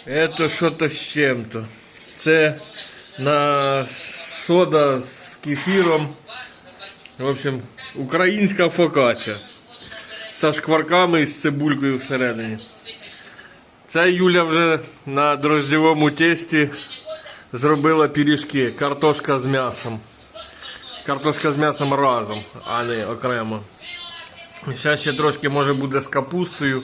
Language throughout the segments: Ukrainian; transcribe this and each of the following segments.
Это что-то з чим-то. Це на сода з кефіром. В общем, українська фокачча. Со шкварками і з цибулькою всередині. Це Юля вже на дрожжевому тесті зробила пиріжки. Картошка з м'ясом. Картошка з м'ясом разом, а не окремо. Зараз ще трошки може буде з капустою.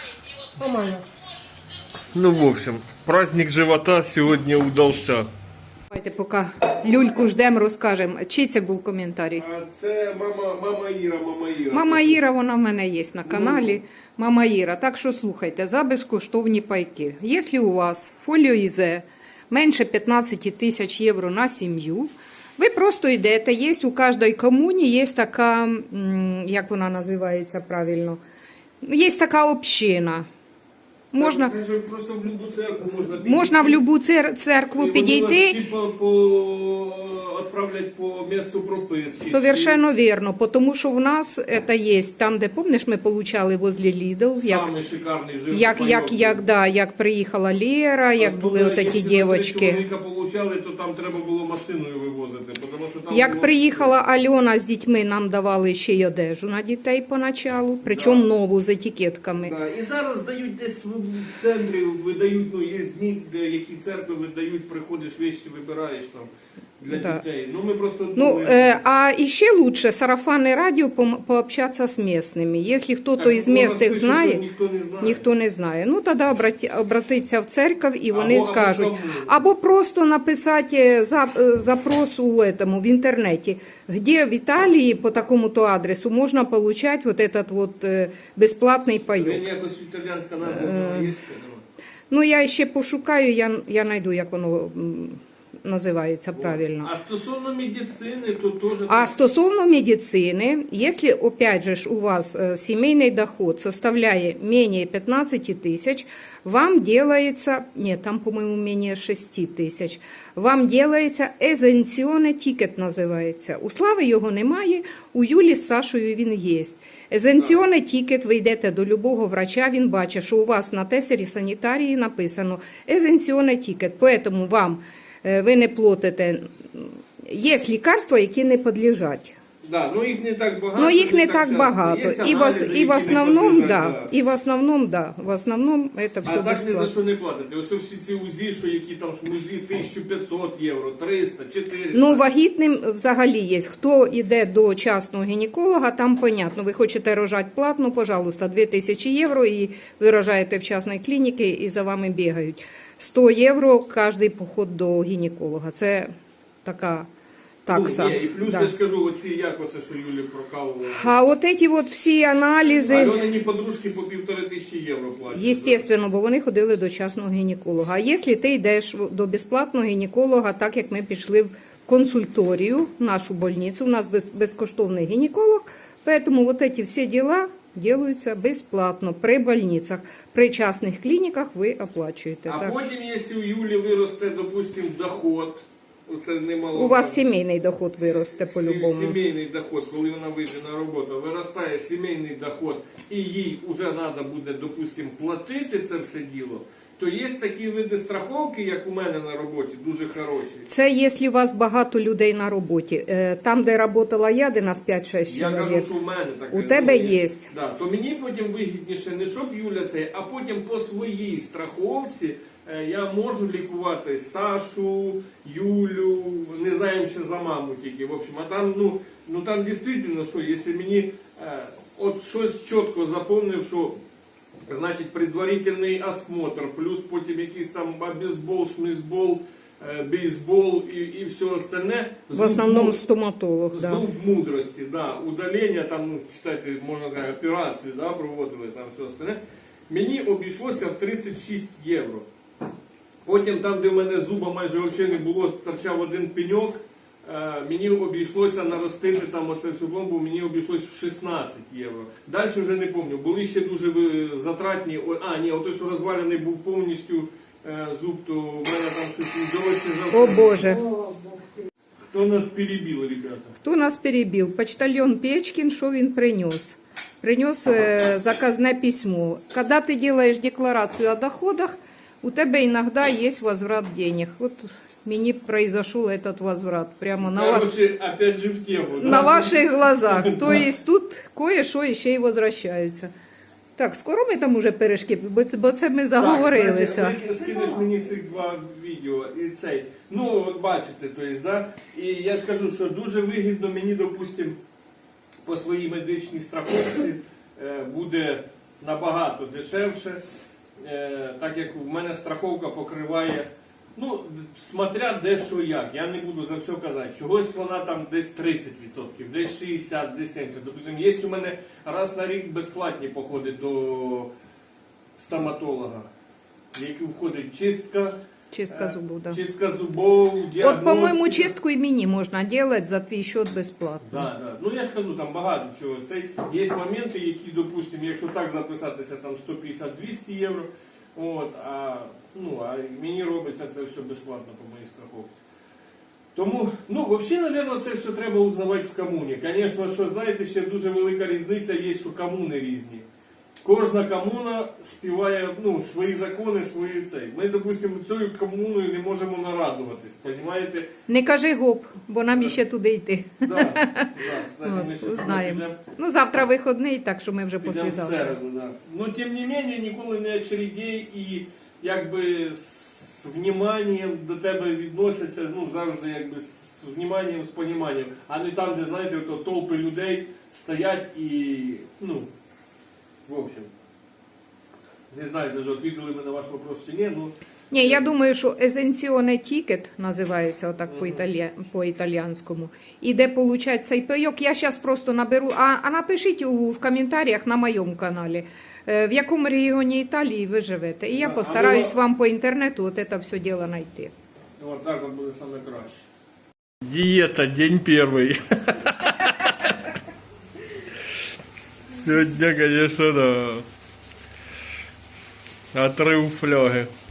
Ну, в общем, праздник живота сьогодні удався. Давайте поки люльку ждемо, розкажемо. Чий це був коментарій? А це мама Іра. Мама Іра, вона в мене є на каналі. Мама Іра. Так що слухайте, за безкоштовні пайки. Якщо у вас фоліо ІЗ менше 15 тисяч євро на сім'ю, ви просто йдете, є у кожній комуні, є така, як вона називається правильно, є така община. Можна, просто в любу церкву можна підійти. можна в будь-яку церкву підійти. Відправлять по місту прописки. Совершенно верно, потому що в нас это есть там, де, помниш, ми получали возле Lidl, Самий шикарний жир. як приїхала Лера, як були отакі дівчатки. Якщо получали, то там треба було машиною вивозити, тому що там Як було... приїхала Альона з дітьми, нам давали ще й одежу на дітей поначалу, причому нову з етикетками. Да. І зараз дають десь в центрі, видають, ну, є дні, де які церкви видають, приходиш, вещи вибираєш там для дітей. Ну, ми просто А еще лучше сарафанное радио пообщаться с местными. Если кто-то из местных знает, ніхто не знає. Ну, тоді обратиться в церковь і вони скажуть. Або просто написати запрос в интернете, где в Италии по такому-то адресу можно получать вот этот вот бесплатный паёк. Він якось італійська назва є? Ну, я ще пошукаю, я знайду, як воно називається правильно. А стосовно медицини, то теж... А стосовно медицины, если, опять же, у вас семейный доход составляет менее 15 тысяч, вам делается, нет, там, по-моему, менее 6 тысяч, вам делается езенціоне тікет, називається. У Слави його немає, у Юлі з Сашою він є. Езенціоне тікет, ви йдете до любого врача, він бачить, що у вас на тесері санітарії написано езенціоне тікет, поэтому вам ви не платите. Є лікарства, які не підлежать. Да, ну їх не так багато. Ну їх не так багато. І в основному, в основному це все А так ні за безплатно. що не платите. Ось всі ці УЗІ, що які там УЗІ 1500 євро, 300, 400. Ну, вагітним взагалі є. Хто йде до частного гінеколога, там понятно. Ви хочете рожати платно, пожалуйста, 2000 євро, і ви рожаєте в частній клініці, і за вами бігають. 100 євро кожний поход до гінеколога. Це така такса. Ну, і плюс я ж кажу, оці, як оце, що Юлі прокалували. А от ці от всі аналізи... Альонині подружки по 1500 євро платять. Єстественно, бо вони ходили до частного гінеколога. А якщо ти йдеш до безплатного гінеколога, так як ми пішли в консульторію, в нашу больницю, у нас безкоштовний гінеколог, тому вот эти всі діла делаются бесплатно при больницах. При частных клиниках ви оплачуєте. А так. потім, якщо у Юлі виросте, допустим, доход, це немало. У вас сімейний доход виросте по-любому. Сімейний доход, коли вона вийде на роботу, виростає сімейний доход, і їй вже треба буде, допустим, платити це все діло, то є такі види страховки, як у мене на роботі, дуже хороші. Це якщо у вас багато людей на роботі. Там, де працювала я, де нас 5-6 Я чоловік, кажу, що в мене таке. у тебе є. Да, то мені потім вигідніше не щоб Юля це, а потім по своїй страховці я можу лікувати Сашу, Юлю, не знаємо ще за маму тільки. В общем, а там, ну там дійсно, що, якщо мені от щось чітко запомнив, що значить предварительний осмотр, плюс потім якийсь там бейсбол, шмізбол, бейсбол і все остальне. В основному стоматолог. Да. Зуб мудрості, да, удалення, там, ну, читайте, можна сказати, операцію, да, проводили, там все остальне. Мені обійшлося в 36 євро. Потім там, де в мене зуба майже взагалі не було, торчав один пеньок, мені обійшлося наростити там оце всю пломбу, мені обійшлося в 16 євро. Далі вже не пам'ятаю, були ще дуже затратні, отой, що розвалений був повністю зуб, то в мене там щось дорожче за... О Боже. Хто нас перебив, ребята? Хто нас перебив? Почтальон Печкин, що він принес? Принес заказне письмо. Когда ты делаешь декларацию о доходах, у тебе иногда есть возврат денег. Вот мені произошел этот возврат прямо Короче, опять же в тему. на ваших глазах. То есть тут кое-що ще й возвращаються. Так, скоро ми там уже пиріжки, бо це ми заговорилися. Так, знаєте, скинеш мені цих два відео і цей. Ну, от бачите, то есть, да? І я ж кажу, що дуже вигідно мені, допустим, по своїй медичній страховці буде набагато дешевше, так як в мене страховка покриває, ну, смотря де що як, я не буду за все казати, чогось вона там десь 30%, десь 60%, десь 70%. Допустим, є у мене раз на рік безплатні походи до стоматолога, в які входить чистка, Чистка зубов, да. чистка зубов, діагностика. От, по-моєму, чистку і мені можна робити за твій счет безплатно. Да, да. Ну я ж кажу, там багато чого. Це є моменти, які, допустимо, якщо так записатися, там 150-200 євро, от, а мені робиться це все безплатно по моїй страховці. Тому, ну, взагалі, мабуть, це все треба узнавати в комуні. Звісно, що, знаєте, ще дуже велика різниця є, що комуни різні. Кожна комуна співає, ну, свої закони, свої цей. Ми, допустимо, цією комуною не можемо нарадуватись, розумієте? Не кажи гоп, бо нам іще туди йти. Да, кстати, ми ще От, знаємо. підемо. Ну, завтра вихідний, так що ми вже Підемо в післязавтра. середу, да. Ну, тим не менше, ніколи не очередей і якби з вніманням до тебе відносяться, ну, завжди якби з вніманням, з поніманням, а не там, де, знаєте, ото толпи людей стоять і, ну, в общем, не знаю, даже відповіли ми на ваш вопрос чи ні, ну, Ні, я думаю, що есенціоне тікет називається отак по-італіянському. І де получать цей пайок, я зараз просто наберу, а напишіть в коментарях на моєму каналі, в якому регіоні Італії ви живете. І я Да, постараюсь а вам по інтернету от це все діло знайти. от так от буде саме краще. Диета, день перший. Сегодня, конечно, да. Отрыв фляги.